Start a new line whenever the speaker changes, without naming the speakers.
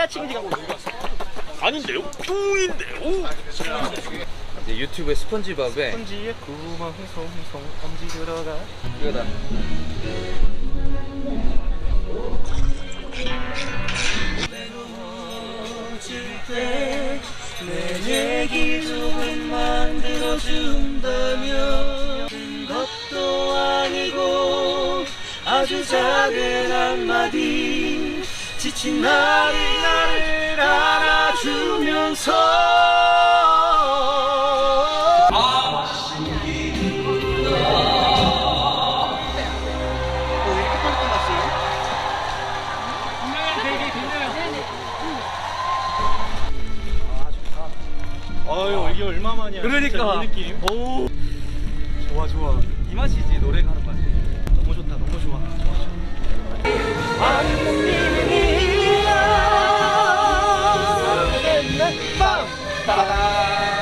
찌가칭지 가고 아닌데요? 뿅인데요?
이제 유튜브에 스펀지밥에
스펀지에 구멍 송송 엄지 들어가
이거다.
내 얘기 조금 만들어준다면 것도 아니고 아주 작은 한마디 지친 나를 안아주면서 아유 이게 얼마만이야
그러니까.
이 느낌. 오 좋아 좋아
이 맛이지 노래가.